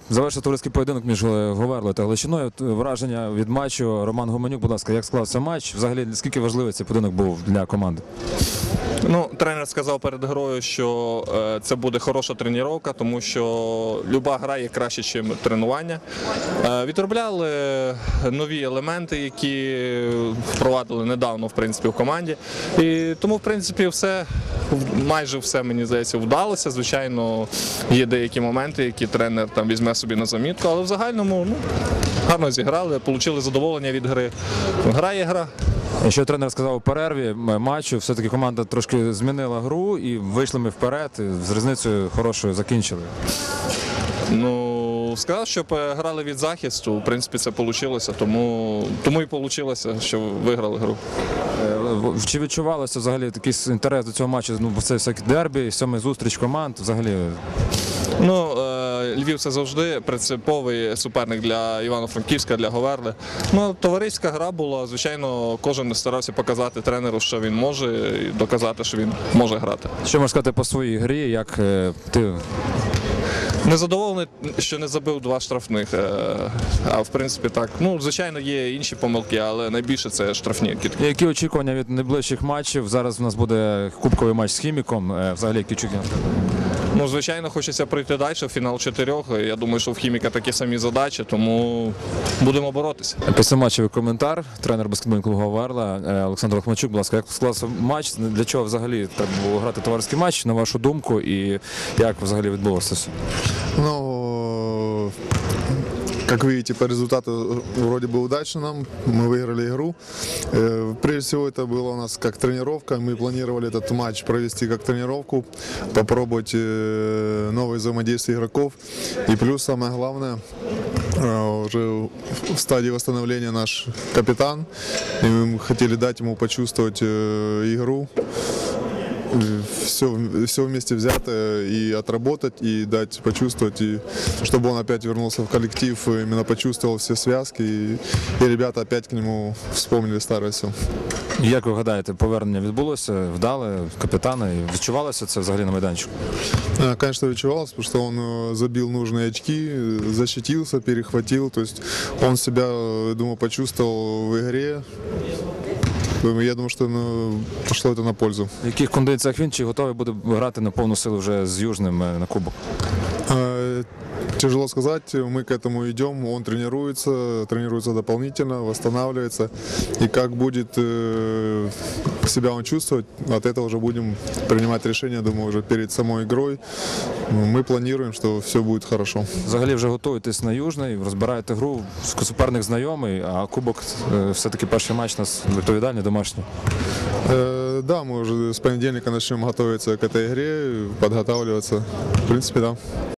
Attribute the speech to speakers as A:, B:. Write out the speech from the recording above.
A: Завершив товариський поєдинок між Говерлою та Галичиною. Враження від матчу. Роман Гуменюк, будь ласка, як склався матч? Взагалі, наскільки важливий цей поєдинок був для команди?
B: Тренер сказав перед грою, що це буде хороша тренування, тому що люба гра є краще, ніж тренування. Відробляли нові елементи, які впровадили недавно, в принципі, в команді. І тому, в принципі, майже все, мені здається, вдалося. Звичайно, є деякі моменти, які тренер там візьме собі на замітку, але в загальному гарно зіграли, отримали задоволення від гри. Гра є гра.
A: Що тренер сказав у перерві матчу, все-таки команда трошки змінила гру і вийшли ми вперед, з різницею хорошою закінчили.
B: Сказав, щоб грали від захисту, в принципі, це вийшло, тому і вийшло, що виграли гру.
A: Чи відчувалося взагалі якийсь інтерес до цього матчу? Бо це всякі дербі, сьомий зустріч команд, взагалі?
B: Львів – це завжди принциповий суперник для Івано-Франківська, для Говерли. Товариська гра була, звичайно, кожен старався показати тренеру, що він може, і доказати, що він може грати.
A: Що можеш сказати по своїй грі, як ти?
B: Незадоволений, що не забив 2 штрафних, а в принципі так. Звичайно, є інші помилки, але найбільше це штрафні кидки.
A: Які очікування від найближчих матчів? Зараз у нас буде кубковий матч з Хіміком. Взагалі, які очікування?
B: Звичайно, хочеться пройти далі, в фінал 4. Я думаю, що в Хіміка такі самі задачі, тому будемо боротися.
A: Післяматчевий коментар. Тренер баскетбольного клубу Говерла Олександр Лохмачук, будь ласка, як склався матч? Для чого взагалі треба було грати товариський матч, на вашу думку, і як взагалі відбулося все?
C: Как видите, по результату вроде бы удачно нам, мы выиграли игру. Прежде всего это было у нас как тренировка, мы планировали этот матч провести как тренировку, попробовать новые взаимодействия игроков. И плюс самое главное, уже в стадии восстановления наш капитан, и мы хотели дать ему почувствовать игру. Все вместе взято и отработать, и дать почувствовать, и чтобы он опять вернулся в коллектив, именно почувствовал все связки, и ребята опять к нему вспомнили старое все.
A: Як ви гадаєте, повернення відбулося, вдале капітана, і відчувалося це взагалі на майданчику?
C: Конечно, відчувалося, потому что он забил нужные очки, защитился, перехватил, то есть он себя, думаю, почувствовал в игре. Я думаю, що пішло це на пользу.
A: В яких кондиціях він, чи готовий буде грати на повну силу вже з Южним на кубок?
C: Тяжело сказать, мы к этому идем, он тренируется дополнительно, восстанавливается. И как будет себя он чувствовать, от этого уже будем принимать решение, думаю, уже перед самой игрой. Мы планируем, что все будет хорошо.
A: Взагалі вже готуєтесь на Южний, розбираєте гру, суперник знайомий, а кубок все-таки перший матч у нас відповідальний, домашній.
C: Да, мы уже с понедельника начнем готовиться к этой игре, подготавливаться. В принципе, да.